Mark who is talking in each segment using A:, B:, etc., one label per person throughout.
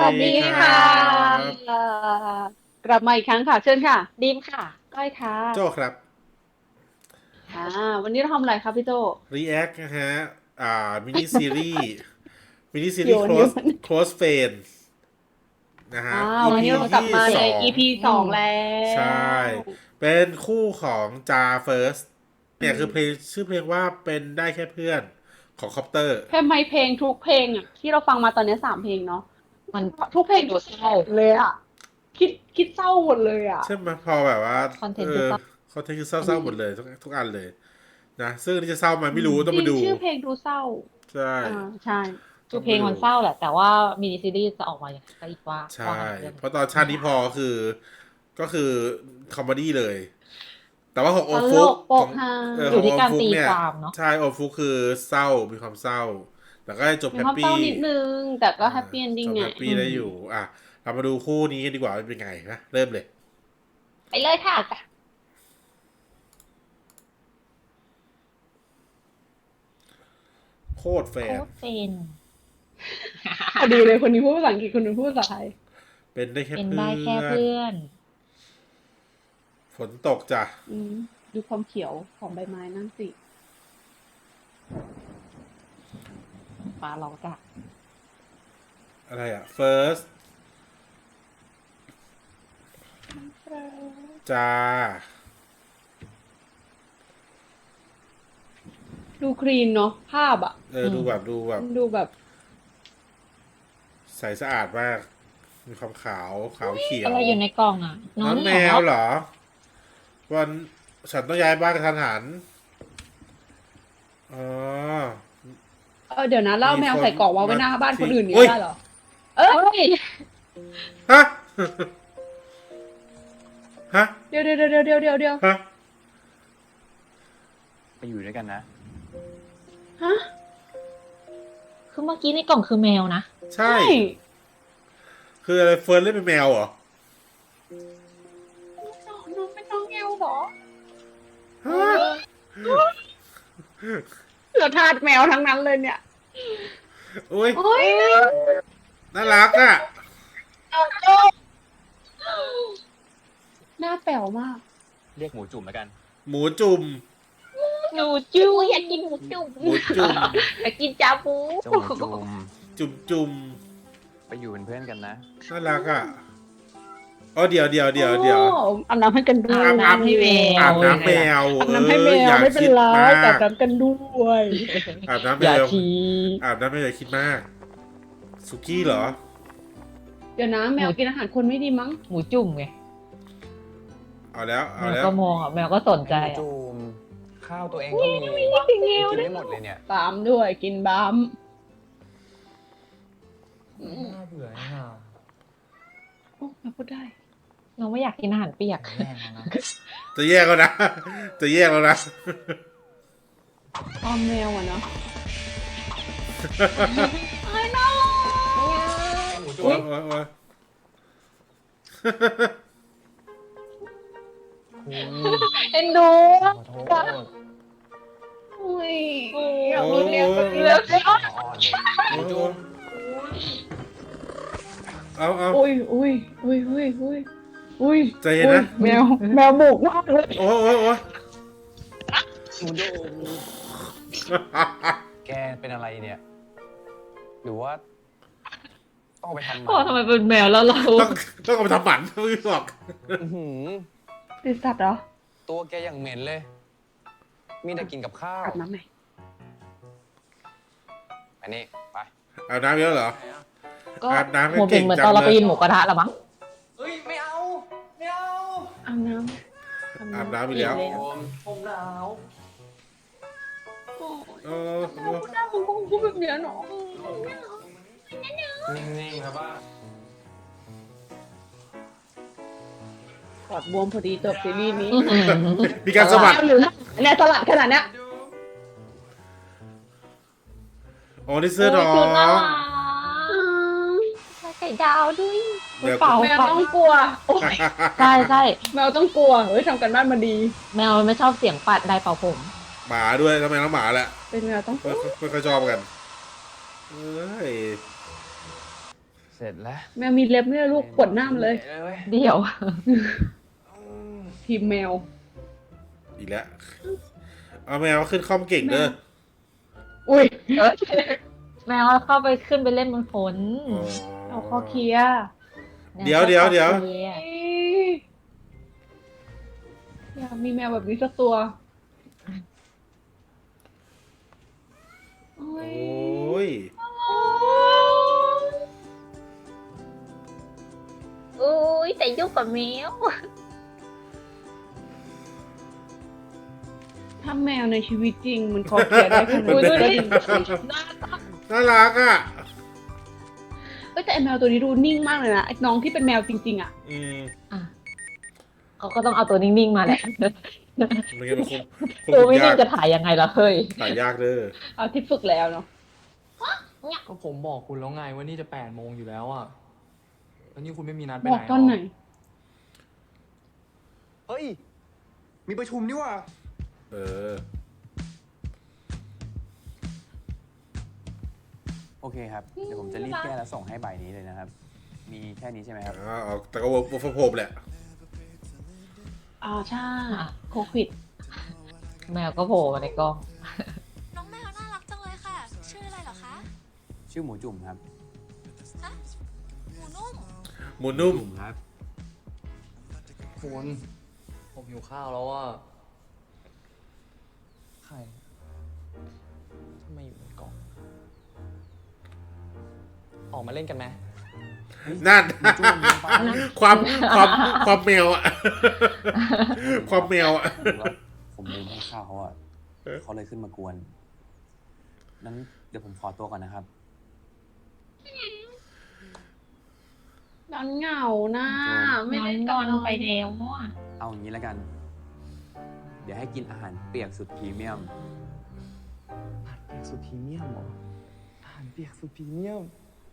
A: วัสดี
B: ครั
A: ค่ะ
B: บ
A: กลับมาอีกครั้งค่ะเชิญค่ะ
C: ดีมค่ะ
A: ก้อยค่ะ
B: โจครับ
A: อ่าวันนี้เราทำอะไรครับพี่โจ
B: React นะฮะมินิซีรีส์มินิซี
A: โย
B: รีส์
A: นโยน
B: close friends นะฮะ
A: วัน
B: EP
A: นี้เรากลับ
B: ที่
A: มาใน
B: สอง
A: EP
C: อืม
A: สองแล้
B: ใช่
A: ว
B: เป็นคู่ของจาเฟิร์สเนี่ยคือเพลงชื่อเพลงว่าเป็นได้แค่เพื่อนของคอปเตอร์
A: ทำไมเพลงทุกเพลงอ่ะที่เราฟังมาตอนนี้3 เพลงเนาะ
C: มัน
A: ทุกเพลง
C: ดูเศร้า
A: เลยอ่ะคิดเศร้าหมดเลยอ่ะ
B: ใช่ไหมพอแบบว่า
C: คอนเท
B: เออ
C: นต์คือเศร้า
B: เขาเทคือ
A: อัน
B: เศร้าๆ
A: นี้
B: หมดเลยทุกอันเลยนะซึ่งอันนี้จะเศร้าไหมไม่รู้ต้อง
A: จริง
B: มาดู
A: ชื่อเพลงดูเศร้า
B: ใช่
A: อ่าใช่
C: คือเพลง
B: ต้องมาดู
C: มันเศร้าแหละแต่ว่ามินิซีรีส์จะออกมาอย่างไรก็อีกว่า
B: ใช่
C: ว่ากันอีกเรื่อง
B: เพราะตอนชาตินี้พอคือก็คือคอมเมดี้เลย แต่ว่าของโอ
A: ตล
B: มฟุก
A: กโป
B: ของ
A: กฮา
C: อยู่
B: ของโอ
C: ที่การตี
B: มฟุกเนี่ย
C: ความเนาะ
B: ใช่โอมฟุกคือเศร้ามีความเศร้าแต่ก็ให้จบ
A: มีความเศร้า
B: แฮปปี้
A: นิดนึงแต่ก็
B: อ่า
A: แฮปปี้เอนดิ้งไง
B: จบแฮปปี้
C: อืม
B: ได้อยู่อ่ะเรามาดูคู่นี้กันดีกว่าว่าเป็นไงนะเริ่มเลย
C: ไปเลยค่ะ
B: โคตรแฟ
C: โค้
B: น
C: ดเป็น
A: พอดีเลยคนนี้พูดภาษาอังกฤษคนนึงพูดภาษาไทย
B: เป็นได้แค่
C: เป็น
B: เพื่
C: ได้แค่
B: อน
C: เพื่อน
B: ฝนตกจ้ะ
A: อืมดูความเขียวของใบไม้นั่นสิ
C: ฟ้าร้องจ้ะ
B: อะไรอ่ะ first จ้า
A: ดูคลีนเนาะภาพอ่ะ
B: ดูแบบดูแบบ
A: ดูแบบ
B: ใสสะอาดมากมีความขาวขาวเขียว
C: อะไรอยู่ในกล่องอ่ะน้อ
B: น้องแม
C: งเหรอ
B: วเหรอวันฉันต้องย้ายบ้านกระทันหันอ๋อ
A: เดี๋ยวนะเล่า
B: มี
A: แมว
B: คน
A: ใส่กล่องวางไว้
B: มา
A: หน้าบ้านคน
B: ทิ้ง
A: อื่นนี่
B: อุ้ย
A: ได้เหรอ เอ้ย
B: ฮะ ฮะ
A: เดี๋ยว
B: ฮะ
D: ไปอยู่ด้วยกันนะ
A: ฮะ
C: คือเมื่อกี้ในกล่องคือแมวนะ
B: ใช่
A: ใช่
B: คืออะไรเฟิร์นเล่นเป็นแมวเหรอ
A: น้องเป็นน้องแมวเหรอ
B: ฮะ
A: เราทาสแมวทั้งนั้นเลยเนี่ย
B: อุ้ย
A: โอ้ย
B: น่ารักอ่ะ
A: หน้าแป๋วมาก
D: เรียกหมูจุ่มแล้วกัน
B: หมูจุ่ม
C: หนูจุ้ยอยากกินหมูจุ่ม
B: หมูจุ่ม
C: อยากกินจาบู
D: เจ้าหมูจุ่ม
B: จุ่มจุ่ม
D: ไปอยู่เป็นเพื่อนกันนะ
B: น่ารักอ่ะอ๋อเดี๋ยว
A: โอ้อาบน้ำให้กันด้วย
C: อาบน้ำให้แมว
B: อาบน้ำแมว
A: อาบน้ำให้แมว
B: อย่า
A: ไม่เป็น
B: คิด
A: ไร
B: มา
A: แต่
B: ก
A: อาบน้ำกันด้วย
B: อาบน้ำแม
C: อย่าว ที
B: อาบน้ำแมวอย่าคิดมากสุกี้เหรอ
A: เดี๋ยวนะแมวกินอาหารคนไม่ดีมั้ง
C: หมูจุ่มไง
B: เอาแล้ว
C: แม
B: เอา
C: ว
B: แล้ว
C: ก็มองอ่ะแมวก็สนใจ
D: หมู
C: อ่ะ
D: จุ่มข้าวตัวเองก็มี
A: กินแมว
D: กิน
A: ได้
D: ไม่หมดเลยเนี่ย
A: บามด้วยกินบาม
D: น่าเบื่อนี่น่ะ
A: โอ้แมวพูดได้
C: น้องไม่อยากกินอาหารเปียก
D: แย่งแล้วนะ
B: จะแยกแล้วนะ จะแยกแล้วนะ
A: อ้อมแมวอ่ะเนาะ
D: หมูจุ่
B: โอ๊ย
D: ม
B: โอ๊ย
C: เอ็นดู
D: ขอโทษ
A: อุ้ย
C: อยาก
B: โอ๊
C: มี
B: ย
C: แมว
B: โอ๊ย
C: เลือก
D: อ่อนเลยหมูจุ่ม
B: เอา
A: อุ้ย
B: ใจเย็นนะ
A: แมวบุกมากเลย
B: โอ๊ย
D: หมูจุ่มแกเป็นอะไรเนี่ย หรือว่าต้องเอาไปทำห
C: พ่อ
D: มัน
C: ทำไมเป็นแมวแล้วเรา
B: ต้องเอาไปทำหมันไม่บอก
D: อื้อหือ
A: ติดสัตว์เหรอ
D: ตัวแกอย่างเหม็นเลย มีแต่กินกับข้าว
A: อาบน้ำไหม
D: อันนี้ไป
B: อาบน้ำเยอะเหรอ
C: ก็
B: อาบน้ำให้
C: หัวเป็นเหมือน
B: เก่งจั
C: ตอน
B: ง
C: เรา
B: เลย
C: ไปกินหมูกระทะละมั้ง
D: เฮ้ย ไม่เอา ไม่เอา
A: อาบน้ำ
B: อาบน้ำไปแล้ว
D: ผมหนาว
B: เออ
A: พูดได้มึงก็พูดแบบเนี้ยเนาะ
D: นิ่งๆครับว่า
A: ปอดบวมพอดีจบซีรีส์นี้
B: มีการสะบัด
A: หรือเนี่ยสลัดขนาดเนี้ย
B: อ๋อนี่เสื้อน้อ
C: โย
B: ง
C: น่ารักไข่ดาวด้วย
B: เดี๋ยว
C: เปล่า
A: แมวต้องกลัวโอ๊ย
C: ใช่ใช่
A: แมวต้องกลัวเฮ้ยทำกันบ้านมาดี
C: แมวมันไม่ชอบเสียงปัดได้เป่าผม
B: หมาด้วยทำไมต้องหมาแหละ
A: เป็นแมวต้องกลัว
B: ไม่ค่อยชอบกันเอ้ย
D: เซร็จแล้ว
A: แมวมีเล็บไม่ได้ลูกขวนหน้ามันเลย
D: เว้ย
C: เดี๋ยว
A: ทีมแมว
B: อีกแล้ว เอาแมวขึ้นคอมเก่งเด้อ
A: อุ้ย
C: แมวเข้าไปขึ้นไปเล่นบนฝน
B: อ๋อ
A: เอาคอเคลียร์
B: เดี๋ยว
C: คลีร์
A: อยากมีแมวแบบนี้สักตัวโอ้
B: โอ้
A: ย
B: ย
C: อุ้ยแต่ยุ่งกับแมว
A: ถ้าแมวในชีวิตจริงมันคอเคลียร์ได้ขนาด
C: อุ๊ยดูดิ
A: นี้
B: น่ารักอ่ะ
A: เอ้ยแต่ไอแมวตัวนี้ดูนิ่งมากเลยนะไอ้น้องที่เป็นแมวจริงๆอ่ะ
B: อืม
C: อ่ะเขาก็ต้องเอาตัวนิ่งๆมาแหละ
B: มันก็คง
C: ตัวไม่
B: ยา
C: นิ่ง
B: ก
C: จะถ่ายยังไงล่ะเฮ้ย
B: ถ่ายยากเด้อ
A: เอาที่ฝึกแล้วเนาะ
E: ก็ผมบอกคุณแล้วไงว่านี่จะ8 โมงอยู่แล้วอ่ะ แล้วนี่คุณไม่มีนัดไป
A: บ
E: ไห
A: อน กตอนไหน
E: เฮ้ย มีประชุมนี่ว่ะ
B: เออ
D: โอเคครับ เดี๋ยวผมจะรีบแก้แล้วส่งให้บ่ายนี้เลยนะครับ มีแค่นี้ใช่ไหมครับ
B: แต่ก็วอร์ฟโฮมแหละ
A: อ่าใช่
C: อ่ะ
A: โควิด
C: แมวก็โผล่มาในกล้อง
F: น้องแมวน่ารักจังเลยค่ะ ชื่ออะไรเหรอคะ
D: ชื่อหมูจุ่มครับ
F: ฮะหมูนุ่ม
B: หมูนุ่ม
D: จุ่มครับ
E: คุณ ผมหิวข้าวแล้วอ่ะ ใครทำไมอยู่ในกล่อง ออกมาเล่นกันไหม
B: นั่น
D: หมูจุ่มลงไป
B: ความแมวอ่ะ ความแมวอ่ะ
D: ผมว่าผมลืมให้ข้าวเขาอ่ะเขาเลยขึ้นมากวน นั้นเดี๋ยวผมขอตัวก่อนนะครับ
A: นอนเหงานะ ไม่
C: ไม่
A: ได้
C: ได้
A: น
C: น
A: อ
C: อน นไปแล้วอ่ะ
D: เอาอย่างนี้แล้วกัน เดี๋ยวให้กินอาหารเปียกสุดพรีเมียม
E: อาหารเปียกสุดพรีเมียมเหรอ อาหารเปียกสุดพรีเมียม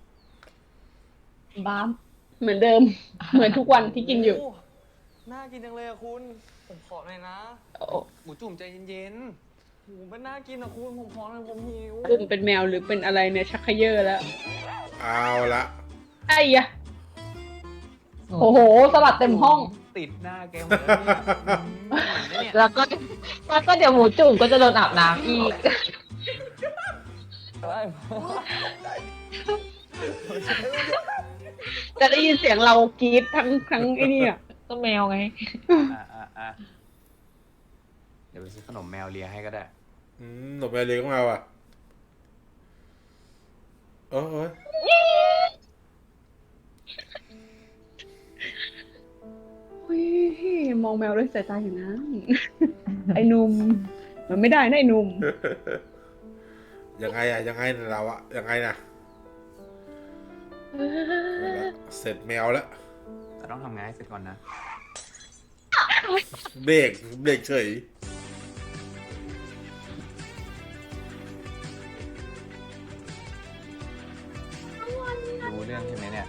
C: บ้าม
A: เหมือนเดิม เหมือนทุกวันที่กินอยู่
E: โน่ากินจังเลยอะคุณ ผมขอหน่อยนะ
A: โอ้
E: หมูจุ่มใจเย็นๆหมูมันน่ากินอะคุณ ผมขอหน่อยผมหิว
A: บุ้มเป็นแมวหรือเป็นอะไรเนี่ยชักเขย่อแล้ว
B: เอาละ
A: ไอ้ยะโอ้โห สลัดเต็มห้อง
E: ติดหน้าแกหมดแล้วเนี่ยเนี่ย
C: แล้วก็เดี๋ยวหมูจุ่มก็จะโดนอาบน้ำอีก
A: จะได้ยินเสียงเรากรี๊ดทั้งไอ้นี่อ่ะ
C: ก็แมวไง
D: อ่ะเดี๋ยวไปซื้อขนมแมวเลียให้ก็ได้
B: หนุ่มแมวเลี้ยงมาว่ะโอ้ย
A: เฮ้ยมองแมวด้วยสายตาอยู่นะ ไอ้หนุ่มมันไม่ได้นะไอ้หนุ่ม
B: ยังไงอะยังไงน่ะเราอะยังไงนะเสร็จแมวแล้ว
D: แต่ต้องทำงานให้เสร็จก่อนนะ
B: เบรกเฉย
D: รู้เรื่องใช่ไหมเนี่ย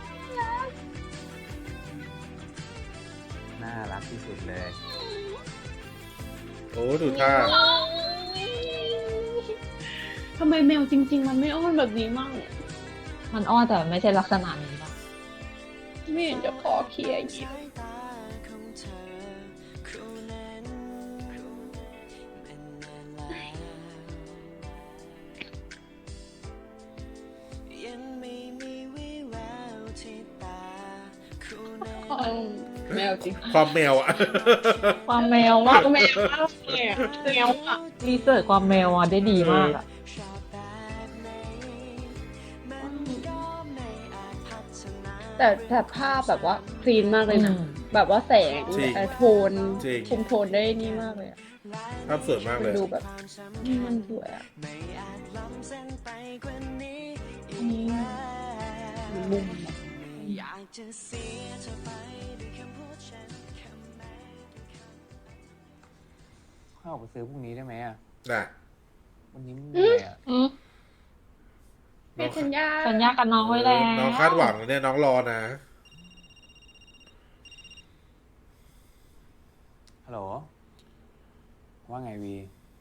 D: น่ารักที่สุดเลย
B: โอ้ดูท่า
A: ทำไมแมวจริง ๆ มันไม่อ้อนแบบนี้มั่ง
C: มันอ้อนแต่ไม่ใช่ลักษณะนี้ป่ะ
A: ไม่เห็นจะขอเคลียร์ยิบ แมวจริง
B: ความแมวอะ
C: ความแมวมาก
A: แมวมากเลยอะแมวอ่ะ
C: รีเสิร์ชความแมวอ่ะได้ดีมากอ่ะ
A: แต่ภาพแบบว่าคลีนมากเลยนะ
C: อืม
A: แบบว่าแสง
B: จริง
A: โทน
B: จริง
A: คุมโทนได้นี่มากเลยอะ
B: ภาพสวยมาก
A: มั
B: เล
A: น
B: ย
A: ดูแบบมันสวยอ่ะอันนี้มุมอะ
D: ข้าวไปซื้อพรุ่งนี้ได้ไหมอ่ะ
B: น่ะ
D: วันนี้ไม่มีอะไรอ่ะ
C: อืม
A: ให้สัญญา
C: สัญญากับน้องไว้แล้ว
B: น้องคาดหวังเนี่ยน้องรอนะ
D: ฮัลโหล ว่าไงวี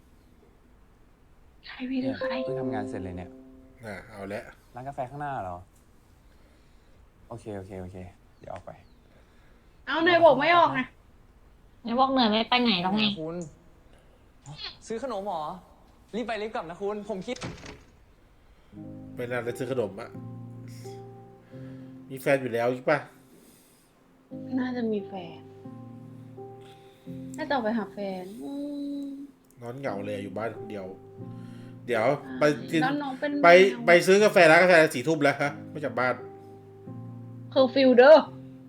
A: ใครวีหรือใคร
D: เพิ่งทำงานเสร็จเลยเนี่ย
B: น่ะ เอาละ
D: ร้านกาแฟข้างหน้าเหรอโอเค เดี๋ยวออกไป
A: เอาเนยบอกไม่ออกนะ
C: ไม่บอกเหนื่อยไม่ไปไหนหรอกไง
E: คุณ ซื้อขนมเหรอ รีบไปรีบกลับนะคุณ ผมคิด
B: ไม่น่าจะซื้อขนมอะมีแฟนอยู่แล้วใช่ปะ
A: น่าจะมีแฟนน่าจะออกไปหาแฟน
B: นอนเหงาเลยอยู่บ้านคนเดียว เดี๋ยวไปกิน
A: แล้วน้องเป็น
B: ไปซื้อกาแฟร้านกาแฟ4 ทุ่มแล้วฮะไม่จากบ้าน
A: คือฟิลเดอร์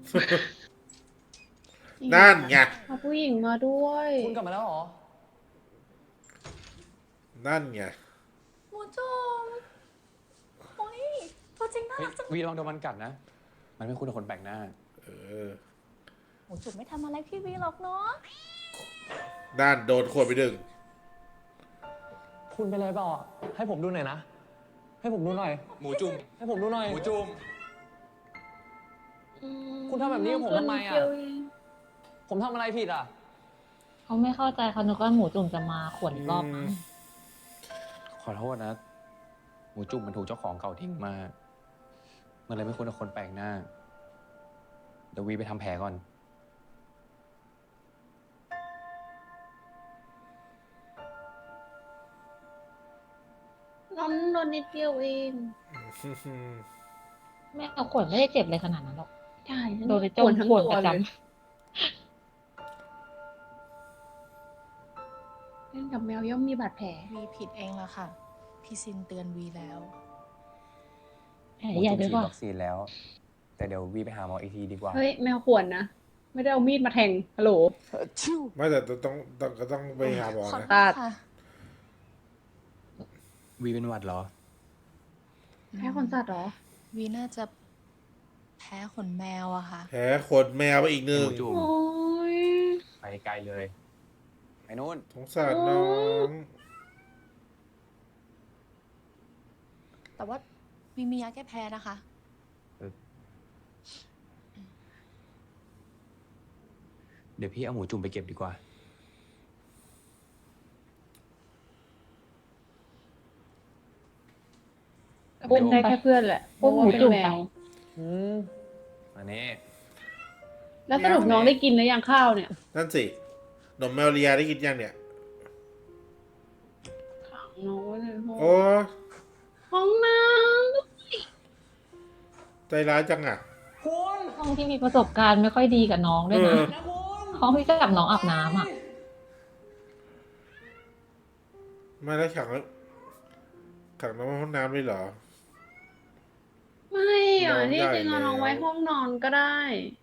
B: นั่นไง
A: เอาผู้หญิงมาด้วย
E: คุณกลับมาแล้วเหรอ
B: นั่นไง
F: หมูจุ่มโอ้ยตัวจริงน่า
D: เฮ้ย
F: รักจัง
D: วีลองโดนมันกัดนะ มันไม่คุ้นกับคนแปลกหน้า
B: เออ
F: หมูจุ่มไม่ทำอะไรพี่วีหรอกเนาะ
B: นั่นโดนขวดไป1
E: คุณเป็นไรเปล่าอ่ะ ให้ผมดูหน่อยนะ ให้ผมดูหน่อย
D: หมูจุ่ม
E: ให้ผมดูหน่อย
D: หมูจุ่ม
E: คุณทำแบบนี้กับผมทำไมอะ
A: เดียวเง
E: ผมทำอะไรผิดอ่ะ
C: เขาไม่เข้าใจเขานึกว่าหมูจุ่มจะมาขวนรอบมั้ง
D: ขอโทษนะ หมูจุ่มมันถูกเจ้าของเก่าทิ้งมา มันเลยไม่คุ้นกับคนแปลกหน้า เดี๋ยววีไปทำแผลก่อน
A: น้องโดนนิดเดียวเอง
C: แม่เอาขวนไม่ได้เจ็บเลยขนาดนั้นหรอก
A: ใช่
C: โดนไป
A: ป
C: จ้
A: ว
C: อง
A: ดทั้ง
C: ขวน
A: ตัว
C: ประ
A: เล
C: จ
A: ยเล่นกับแมวย่อมมีบาดแผล
F: วีผิดเองละค่ะ พี่ซินเตือนวีแล้ว
C: ำแผล
D: หมู
C: ใหญ่
D: จุ่ม
C: ด้วย
D: ฉีด
C: ป่ะ
D: วัคซีนแล้ว แต่เดี๋ยววีไปหาหมออีกทีดีกว่า
A: เฮ้ยแมวข่วนนะ ไม่ได้เอามีดมาแทงฮัลโหล
B: ไม่แต่ต้องไปหาหมอ
F: ขอ
B: นะ
F: โทษค่ะ
D: วีเป็นหวัดเหรอ
A: แพ้คนสัตว์เหรอ
F: วีน่าจะแพ้ขนแมวอะค่ะ
B: แผลขนแมวไปอีก
D: หมู
B: 1
D: จุ่ม
A: โอ้ย
D: ไปไกลเลย ไปนู่น
B: สงสารน้อง
F: แต่ว่าวีมียาแก้แพ้นะคะ
D: เดี๋ยวพี่เอาหมูจุ่มไปเก็บดีกว่า
A: ก็เป็นได้แค่เพื่อนแหละ
C: พวกหมูจุ่ม
A: เพราะว่าเป็นแม
C: ไป
A: ว
E: อืม
D: อันนี้
A: แล้วสรุปน้องได้กินหรือยังข้าวเนี่ย
B: นั่นสินมแมวเลียได้กินยังเนี่ย
A: ขังน้องไว้ในห้อง
B: โอ้
A: ห้องน้
B: ใจร้ายจังอ่ะ
E: คุณ
C: ห้องที่มีประสบการณ์ไม่ค่อยดีกับน้องด้วยนะ
E: นะคุณ
C: ห้องที่จับน้องอาบน้ำอ่ะ
B: ไม่ได้ขังน้องไว้ห้องน้ำเลยเหรอ
A: ำไม่อ่ะ
B: น้อง
A: ที่
B: ใหญ่
A: จริงเอาน้องไว้
B: แล้ว
A: ห้องนอนก็ได้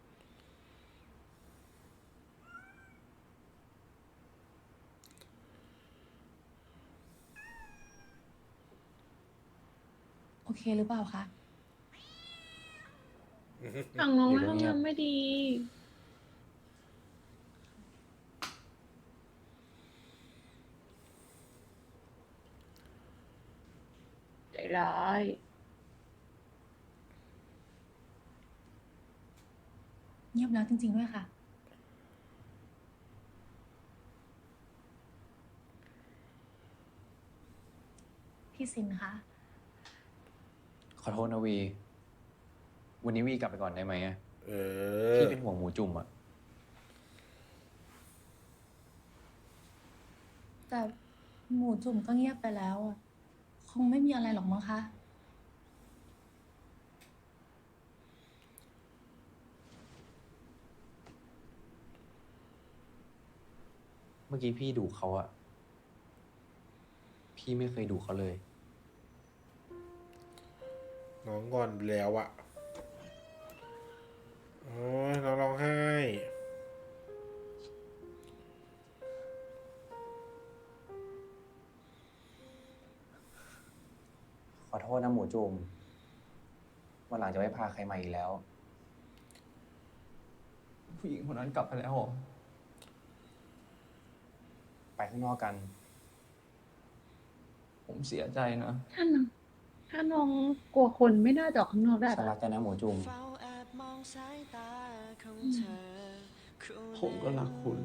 F: โอเคหรือเปล่าคะ
A: ขังน้องไว้ห้องน้ำไม่ดี ใจร้าย
F: เงียบแล้วจริงๆด้วยค่ะ พี่ซินคะ
D: ขอโทษนะวี วันนี้วีกลับไปก่อนได้ไหมอะ
B: เออ
D: พี่เป็นห่วงหมูจุ่มอะ
F: แต่หมูจุ่มก็เงียบไปแล้วอะคงไม่มีอะไรหรอกมั้งคะ
D: เมื่อกี้พี่ดุเขาอะพี่ไม่เคยดุเขาเลย
B: น้องงอนไปแล้วอ่ะ โอ้ยน้องร้องไห้
D: ขอโทษนะหมูจุ่มวันหลังจะไม่พาใครมาอีกแล้ว
E: ผู้หญิงคนนั้นกลับไปแล้วเหรอ
D: ไปข้างนอกกัน
E: ผมเสียใจนะ
A: ถ้าน้องกลัวคนไม่น่าจะออกข้างนอกได้
D: ฉันรั
A: ปะ
D: กแกนะหมูจุ่ม
E: ผมก็รักคุณ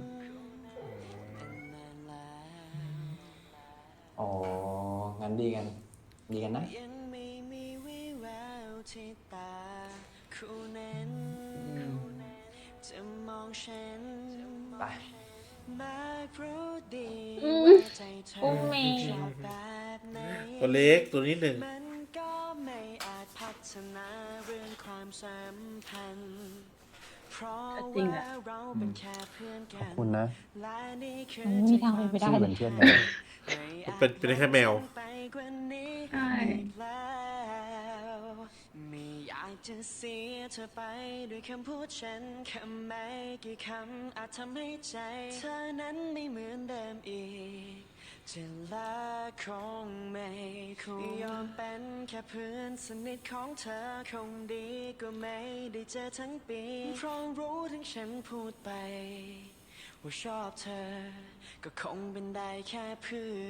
D: อ๋อ งั้นดีกัน ดีกันนะ
G: ยังไม่มีวี่แววที่ตา
D: ไป
C: อุ้มแมว
B: ตัวเล็กตัวนิดหนึ่ง
A: จริงอะ
D: ขอบคุณนะ
C: มันไม่มีทางเป็นไปได้
D: ที่
C: เล
D: เป็น
C: ย
D: เพื่อนแมว
B: เป็นได้แค่แมว
A: ใช่
G: ไม่อยากจะเสียเธอไปด้วยคำพูดฉันคำไม่กี่คำอาจทำให้ใจเธอนั้นไม่เหมือนเดิมอีกจะลาคงไม่คงยอมเป็นแค่เพื่อนสนิทของเธอคงดีกว่าไม่ได้เจอทั้งปีเพราะรู้ถึงฉันพูดไปว่าชอบเธอก็คงเป็นได้แค่เพื่อน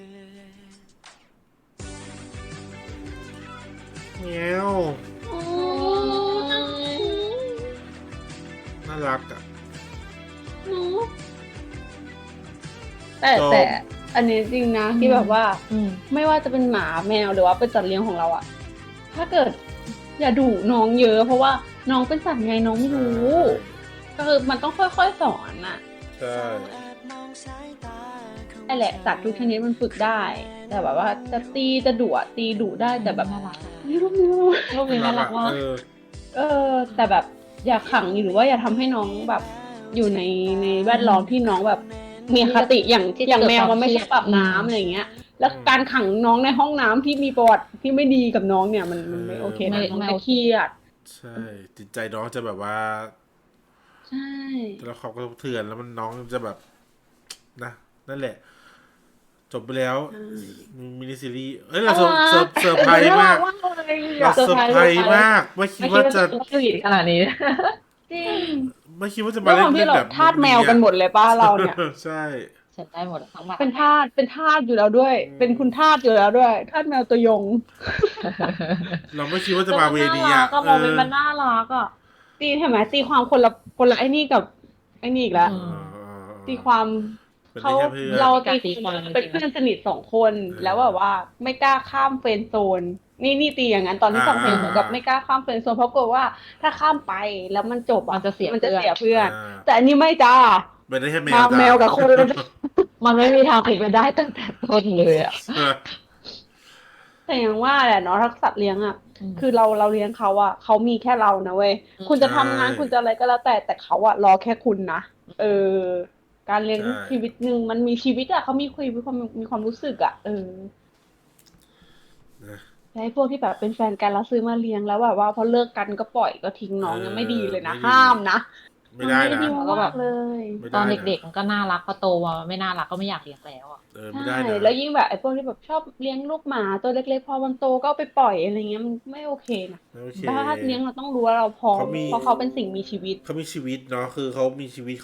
B: แมวน่ารักอ่ะ
A: แต่
B: จบ
A: แต่อันนี้จริงนะที่แบบว่า
C: อืม
A: ไม่ว่าจะเป็นหมาแมวหรือว่าเป็นสัตว์เลี้ยงของเราอะถ้าเกิดอย่าดุน้องเยอะ เพราะว่าน้องเป็นสัตว์ไงน้องไม่รู้ ก็คือมันต้องค่อยๆสอนอะ
B: ใช่
A: ไอ้แหละสัตว์ทุกชนิดมันฝึกได้ แต่แบบว่าจะตีจะดุอะตีดุได้แต่แบบ
C: น่ารัก
A: ไม่รู้ไม่รู้
C: ลูกนี้น่ารักมาก
A: แต่แบบอย่าขังหรือว่าอย่าทำให้น้องแบบอยู่ในแวดล้อมที่น้องแบบมีอคติอย่างแมวมันไม่ใช่ปรับน้ำอะไรอย่างเงี้ย แล้วการขังน้องในห้องน้ำที่มีประวัติที่ไม่ดีกับน้องเนี่ยมันไม่โอเคนะน้องจะเครียด
B: ใช่จิตใจน้องจะแบบว่า
A: ใช่
B: แล้วเขาก็เถื่อนแล้วมันน้องจะแบบนะนั่นแหละ จบไปแล้วมินิซีรีส์เราเซอร์ไพรส์มากเราเซอร์ไพรส์มากไม่คิดว่าจะ
C: สวีทขนาดนี้
A: จริง
B: ไม่คิดว่าจะ
A: ด้
B: มา
A: วยค
B: เล่
A: วาม
B: น
A: ที่เรา
B: แบบ
A: ทาสแมวกันหมดเลยป้าเราเนี่ย
B: ใช่
C: ฉันได้หมดทั้งหมด
A: เป็นทาสอยู่แล้วด้วย เป็นคุณทาสอยู่แล้วด้วยทาสแมวตัวยง
B: เราไม่คิดว่าจะมาเวนี้
A: อ่ะ
B: อ่ะ
A: ก็มองเป็นมันน่ารักอ่ะตีเห็นไหมตีความคนละไอ้นี่กับไอ้นี่อีกแล้ว ตีความ
B: เป็น
A: เขา
B: ได้แค่เพื่อน
A: เราตีความเป็นเพื่อนสนิท2 คน แล้วแบบว่าไม่กล้าข้ามเฟรนด์โซน นี่ตีอย่างนั้นตอนที่ฟังเพลงเหมือนกับไม่กล้าข้ามเฟรนด์โซนเพราะกลัวว่าถ้าข้ามไปแล้วมันจบอะ
C: มันจะเสีย
A: มันจะ
C: เพื่อน
A: เสียเพื่อน
B: อ่า
A: แต่อันนี้ไม่จ้า
B: เป็นได้แค่แมว
A: มา
B: จ้ะ
A: แมวกับคน
C: มันไม่มีทางเป็นไปได้ตั้งแต่ต้นเลยอ่ะ
A: แต่อย่างว่าแหละเนาะถ้าสัตว์เลี้ยงอ่ะ
C: อืม
A: คือเราเลี้ยงเขาอ่ะเขามีแค่เรานะเว้ยคุณจะทำงานคุณจะอะไรก็แล้วแต่เขาอ่ะรอแค่คุณนะการเลี้ยงชีวิตหนึ่งมันมีชีวิตอ่ะเขามีความรู้สึกอ่ะแล้วไอ้พวกที่แบบเป็นแฟนกันแล้วซื้อมาเลี้ยงแล้วแบบว่าพอเลิกกันก็ปล่อยก็ทิ้งน้องเนี่ยไม่ดีเลยนะห้ามนะ
B: ไม่ได้
A: มัน
B: นะ
A: ดีมากเลย
B: ไม่ได้
C: ตอน
B: นะ
C: เด็กๆมันก็น่ารักพอโตมาไม่น่ารักก็ไม่อยากเลี้ยงแล้วอ่ะ
B: ไม่
A: ใช่
B: ได้นะ
A: แล้วยิ่งแบบไอ้พวกที่แบบชอบเลี้ยงลูกหมาตัวเล็กๆพอมันโตก็เอาไปปล่อยอะไรเงี้ยมันไม่โอเคนะ
B: ไม่โอเค
A: ถ้าเลี้ยงเราต้องรู้ว่าเราพร้อม
B: เขามี
A: เพราะเขาเป็นสิ่งมีชีวิต
B: เขามีชีวิตเนาะคือเขามีชีวิต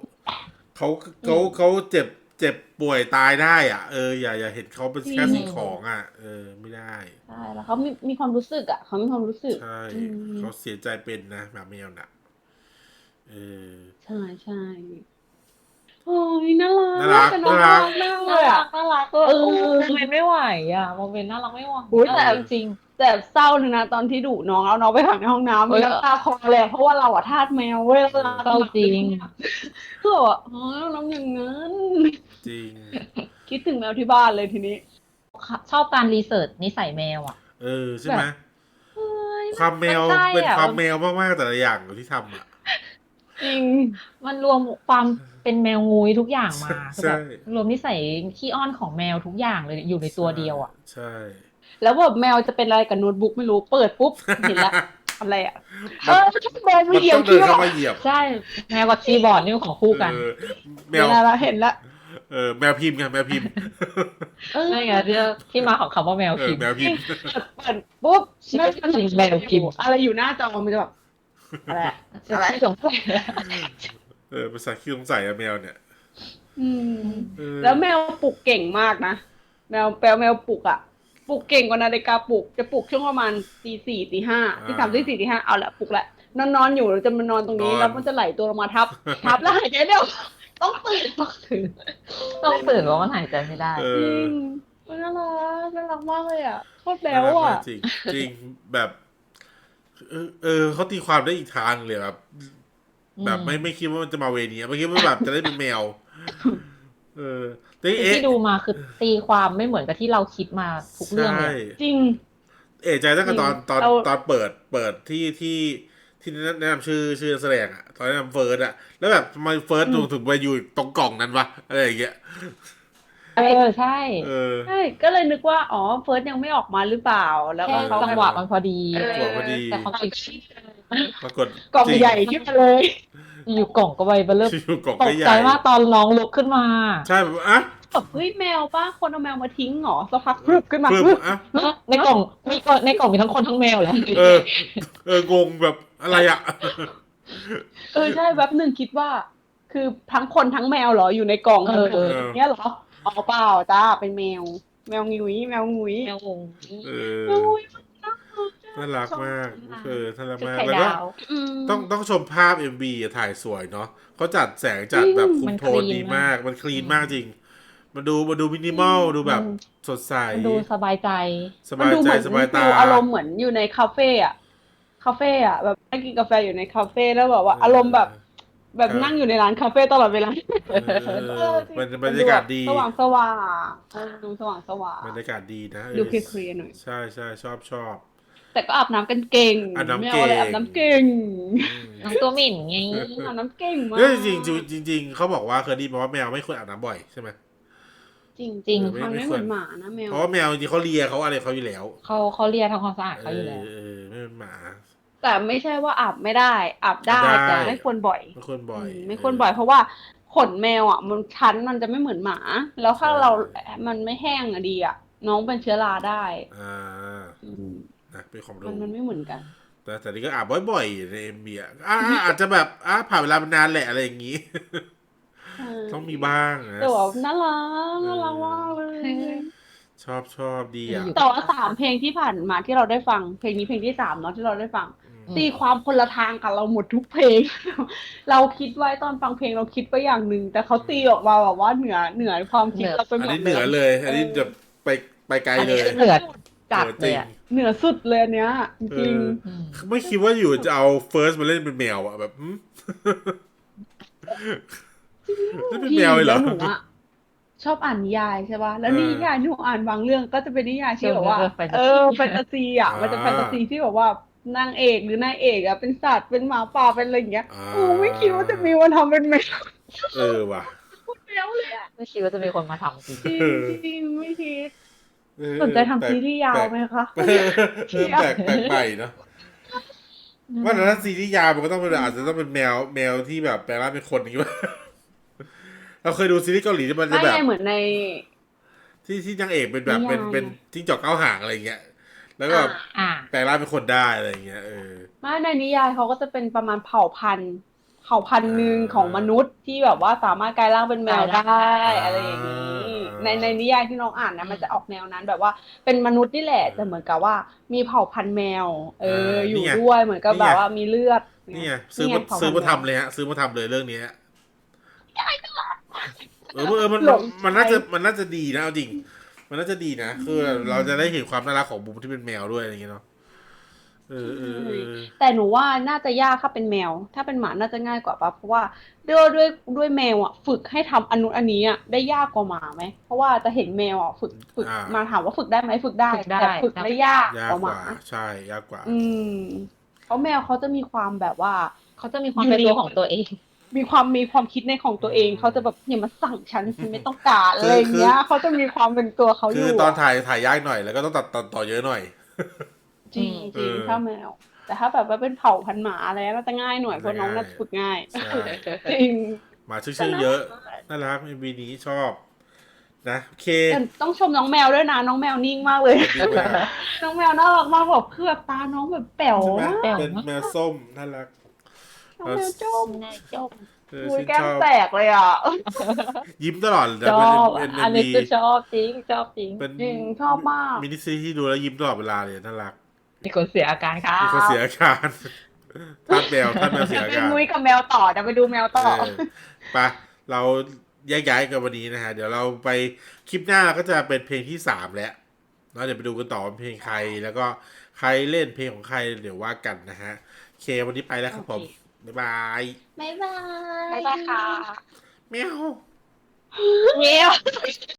B: เขาเจ็บป่วยตายได้อ่ะอย่าเห็นเขาเป็นแค่สิ่งของอ่ะไม่ได้
A: ใช่แล้วเขามีความรู้สึกอ่ะเขามีความรู้สึก
B: ใช่
A: อืม
B: เขาเสียใจเป็นนะหมาแมวน่ะ
A: ใช่โอ้ยน่ารัก
B: น่ารัก
A: แต่น้อง
B: น่ารัก
A: มากเล
C: น่าย รั
A: อ่ะ
C: กน่ารักโมเมนต์ไม่ไหวอ่ะโมเมนต์น่ารักไม่ไหว
A: อุ๊ยแต่
C: จริง
A: แต่เศร้าเลยนะตอนที่ดุน้องเอาน้องไปขังในห้องน้ำ
C: เฮ้ย
A: น้ำตาคลอเลยเพราะว่าเราอะทาสแมวเว้ยเรา
C: เศร้าจริง
A: คือแบบว่าอ๋อน้องอย่างนั้น
B: จริง
A: คิดถึงแมวที่บ้านเลยทีนี้
C: ชอบการรีเสิร์ชนิสัยแมวอ่ะ
B: ใช่ไหม
A: เฮ้ย
B: ความแมว
C: มันใช่อะ
B: เป็นความแมวมากๆแต่ละอย่างที่ทำอ่ะ
A: จริง
C: มันรวมความเป็นแมวงูยทุกอย่างมา
B: ใช่
C: คือแบบรวมนิสัยขี้อ้อนของแมวทุกอย่างเลยอยู่ในตัวเดียวอ่ะ
B: ใช่
A: แล้วแบบแมวจะเป็นอะไรกับโน้ตบุ๊กไม่รู้เปิดปุ๊บเห็นละอะไรอะแมว
B: มัน
A: เหยีย
B: ต้
A: บ
B: องเดินเข้ามาเหยียบ
C: ใช่แมวกับคีย์บอร์ดนี่ของคู่กัน
B: แม
A: เห็น
B: ว
A: ละเห็นละ
B: แมวพิมพ์ไงแมวพิมพ์
C: นั่นไงที่มาของคำว่าแมวพิมพ์
B: แมวพิมพ์
A: เปิดปุ๊บ
C: ชื่อแมวพิมพ์
A: อะไรอยู่หน้าจอมันจะแบบอะไรอะ
C: ที่สงสัย
B: ภาษาคิดสงสัยอะแมวเนี่ย
A: อืม
B: เออ
A: แล้วแมวปลุกเก่งมากนะแมวปลุกอะปลุกเก่งกว่านาฬิกาปลุกจะปลุกช่วงประมาณตี 4 ตี 5ตี 3ตี 4ตี 5เอาละปลุกละนอนอยู่เราจะมานอนตรงนี้แล้วมันจะไหลตัวลงมาทับแล้วหายใจเร็วต้องตื่น
C: ต้องตื่นเพราะมันหายใจไม่ได้
B: เอ
A: จริ
B: อง
A: น่ารักมากเลยอ่ะโคตรแบ๊
B: น่าว รัก
A: อ่ะ
B: มากจริงจริงแบบเขาตีความได้อีกทางเลยแบบแบบไม่คิดว่ามันจะมาเวนี้ไม่คิดว่าแบบจะได้เป็นแมว แต่
C: ที่ดูมาคือตีความไม่เหมือนกับที่เราคิดมาทุกเรื่อง
B: ใช่
C: เลย
A: จริง
B: ใจตั้งแต่ตอน
A: เรา
B: ตอนเปิดที่แนะนำชื่อนักแสดงอะตอนแนะนำเฟิร์สอะแล้วแบบทำไมเฟิร์สถึงไปอยู่ตรงกล่องนั้นวะอะไรอย่างเงี้ย
C: ใช่
A: ใช่ก็เลยนึกว่าอ๋อเฟิร์สยังไม่ออกมาหรือเปล่า แล้ว
C: แค่
A: ก็เขา
C: จังหวะมันพอดี
B: จังหวะพอดี
C: แต่ความจริง
B: ปรากฏ
A: กล่อง
B: จริ
A: ใหญ่ขึ้นมาเลย
C: อยู่กล่องก็ใบเบลเลอร์
B: อยู่กล่อง
C: ต
B: ก็
C: ก
B: ใหญ่
C: ใจมากตอนน้องลุกขึ้นมา
B: ใช่แบบอ่ะ
A: แบบเฮ้ยแมวป้าคนเอาแมวมาทิ้งเหรอสักพักพรึบขึ้นมา
B: เพิ่ม
A: พรึบ
B: อ่ะ
C: ในกล่องมีทั้งคนทั้งแมวแหละ
B: งงแบบอะไรอะ
A: ใช่แป๊บหนึ่งคิดว่า คือทั้งคนทั้งแมวเหรออยู่ในกล่องกันหมดอย่างเงี้ยเหรออ๋อเปล่าจ้าเป็นแมว แมวงุ้ยแมวงุ้ย
C: แมวงง
A: แมวงุ้ยมันน่ารัก
B: น่ารักมากน่ารัก
C: ชุด
B: มาก
C: ไข่
B: แล้วก็
C: ดาว
B: ต้องชมภาพ MV อะถ่ายสวยเนาะเขาจัดแสงจัดแบบคุมโทนดีมากมันคลีนมากจริงมันดูมินิมอลดูแบบสดใส
C: มันดูสบายใจ
B: สบายใจสบายตา
A: ดูอารมณ์เหมือนอยู่ในคาเฟ่อะแบบนั่งกินกาแฟอยู่ในคาเฟ่แล้วแบบว่าอารมณ์แบบนั่งอยู่ในร้านคาเฟ่ตลอดเวลา
B: มันบรรยากาศดี
A: สว่างดูสว่าง
B: บรรยากาศดีนะ
A: ดูเคลียร์ๆหน่อย
B: ใช่ชอบ
A: แต่ก็อาบน้ำกันเก่ง
B: อาบน้ำ
A: ไม่
B: เก่ง
A: เอาอะไรอาบน้ำเก่ง
C: น้องตัวหมิ่นไง
A: อาบน้ำเก่งมาก
B: เฮ้ยจริงเขาบอกว่าเคยได้ยินมาว่าแมวไม่ควรอาบน้ำบ่อยใช่ไหม
A: จริง
C: จริง
A: มันไม่เหมือนหมานะแมว
B: เพราะว่าแมวจริงเขาเลียเขาอะไรเขาอยู่แล้ว
C: เขาเรียกทำความสะอาดเขาอยู่แล้ว
B: ไม่เป็นหมา
A: แต่ไม่ใช่ว่าอาบไม่ได้ อาบได้
B: อาบได้
A: แต่ไม่ควรบ่อย
B: ไม่ควรบ่อย
A: ไม่ควรบ่อย เพราะว่าขนแมวอ่ะมันชั้นมันจะไม่เหมือนหมา แล้วถ้าเรามันไม่แห้งอะดีอ่ะ น้องเป็นเชื้อราได้
B: อ่า
A: อืม
B: นะเป็นความ
A: มัน
B: รู้
A: มันไม่เหมือนกัน
B: แต่นี่ก็อาบบ่อยๆในเอ็มบีอาจจะแบบผ่านเวลามานานแหละอะไรอย่างงี้ ต้องมีบ้างนะ
A: แต่ว่าน่ารักมากเลย
B: ชอบดีอ่ะ
A: แต่ว่า3 เพลงที่ผ่านมาที่เราได้ฟัง เพลงนี้เพลงที่3เนาะที่เราได้ฟัง ตีความคนละทางกับเราหมดทุกเพลง เราคิดไว้ตอนฟังเพลงเราคิดไปอย่างหนึ่งแต่เขาตีออกมาแบบว่าเหนือความคิดเราไปหม
B: อัน
A: ด
B: นี้เหนือเลย อันนี้จะไปไกล
C: อัน
B: เล
C: นี้
B: ย
C: คือเหนือจัดเลยอะ
A: เหนือสุดเลยอันเนี้ยจริง
B: ไม่คิดว่าอยู่จะเอาเฟิร์สมาเล่นเป็นแมวอ่ะแบบเล่นเป็น
A: พี่
B: แมวเลยเหร
A: แล้
B: อ
A: วหนูอะชอบอ่านนิยายใช่ป่ะแล้วนิยายที่หนูอ่านบางเรื่องก็จะเป็นนิยายที่แบบว่า แฟนตาซีอ่ะมันจะแฟนตาซีที่แบบว่านางเอกหรือนายเอกอ่ะเป็นสัตว์เป็นหมาป่าเป็นอะไรอย่างเงี้ยไม่คิดว่าจะมีวันทำเป็นแมว
B: ว่ะ
A: พูดแล้วเลยอ่ะ
C: ไม่คิดว่าจะมีคนมาทำจริง
A: จริงไม่คิดสนใจทำซีรีส์ยาวไหมคะ
B: แปลกใหม่เนาะว่าแต่ถ้าซีรีส์ยาวมันก็ต้องเป็นอาจจะต้องเป็นแมวที่แบบแปลงร่างเป็นคนอย่างงี้ป่ะเราเคยดูซีรีส์เกาหลีที่มันจะ
A: ไม่
B: แบบ
A: ไงเหมือนใน
B: ที่นางเอกเป็นแบบ
A: นิยาย
B: เป็นจิ้งจอกเก้าหางอะไรอย่างเงี้ยแล้วก็แบบ
C: อ่า
B: แปลงร่างเป็นคนได้อะไรอย่างเงี้ย
A: ไม่ในนิยายเขาก็จะเป็นประมาณเผ่าพันธุ์หนึ่งของมนุษย์ที่แบบว่าสามารถกลายร่างเป็นแมวได้อะไรอย่างนี้ ในนิยายที่น้องอ่านนะมันจะออกแนวนั้นแบบว่าเป็นมนุษย์นี่แหละแต่เหมือนกับว่ามีเผ่าพันธุ์แมว อยู่ด้วยเหมือนกับแบบว่ามีเลือด
B: นี่ไงซื้อมาทำเลยฮะซื้อมาทำเลยเรื่องนี้มันน่าจะดีนะเอาจริง มันน่าจะดีนะคือเราจะได้เห็นความน่ารักของบูมที่เป็นแมวด้วยอะไรอย่างเงี้ยเนาะ
A: แต่หนูว่าน่าจะยากถ้าเป็นแมว ถ้าเป็นหมาน่าจะง่ายกว่าปะเพราะว่าด้วยแมวอ่ะฝึกให้ทำอันนี้อ่ะได้ยากกว่าหมาไหมเพราะว่าจะเห็นแมวอ่ะฝึกมาถามว่าฝึกได้ไหมฝึกได้แต่ฝึกได้ยากกว่าหมา
B: ใช่ยากกว่า
A: เพราะแมวเขาจะมีความแบบว่า
C: เขาจะมีความเป็นตัวของตัวเอง
A: มีความคิดในของตัวเองเขาจะแบบอย่ามาสั่งฉันไม่ต้องการอะไรอย่างเงี้ยเขาจะมีความเป็นตัวเขาอ
B: คื
A: ยู่
B: อตอนถ่ายยากหน่อยแล้วก็ต้องตัดต่อเยอะหน่อย
A: จริงถ้าแมว แต่ถ้าแบบว่าเป็นเผ่าพันธุ์หมาอะไรน่าจะง่ายหน่อยเพราะน้องน่าจะฝึกง่าย
B: ใช่
A: จริง
B: หมาชื่อเยอะน่ารักเอ็มวีนี้ชอบ นะโอเค
A: แต่ต้องชมน้องแมวด้วยนะน้องแมวนิ่งมากเลย
B: ดีมาก
A: น้องแมวน่ารักมากแบบคือแบบตาน้องแบบแป๋ว
B: ใช่ไหม
A: มาก
B: เป็นแมวส้มน่ารัก
A: น้องแมวจ้ม
C: นายจบ
A: คุย
B: ชื่น
A: แก้
B: ช
A: ม
B: อบ
A: แตกเลยอ่ะ
B: ยิ้มตลอดแต่
C: ชอบ
B: เป็น
C: อันนี้คือชอบจริงชอบจริง
B: เป็น
A: จริงชอบมาก
B: มินิซีรีส์ที่ดูแล้วยิ้มตลอดเวลาเลยน่ารัก
C: มีคนเสียอาการค่ะ
B: มีคนเสียอาการท่านแมวเสียอา
A: เป็น
B: การ
A: มุ้ยกับแมวต่อจะไปดูแมวต่อ
B: ไปเราแยกย้ายกันวันนี้นะฮะ เดี๋ยวเราไปคลิปหน้าก็จะเป็นเพลงที่3แล้วเนาะเดี๋ยวไปดูกันต่อว่าเพลงใครแล้วก็ใครเล่นเพลงของใครเดี๋ยวว่ากันนะฮะโอเควันนี้ไปแล้วครับผม บ๊ายบาย
C: บ๊ายบาย
A: บ๊ายบายค่ะ
B: แมว
A: เมียว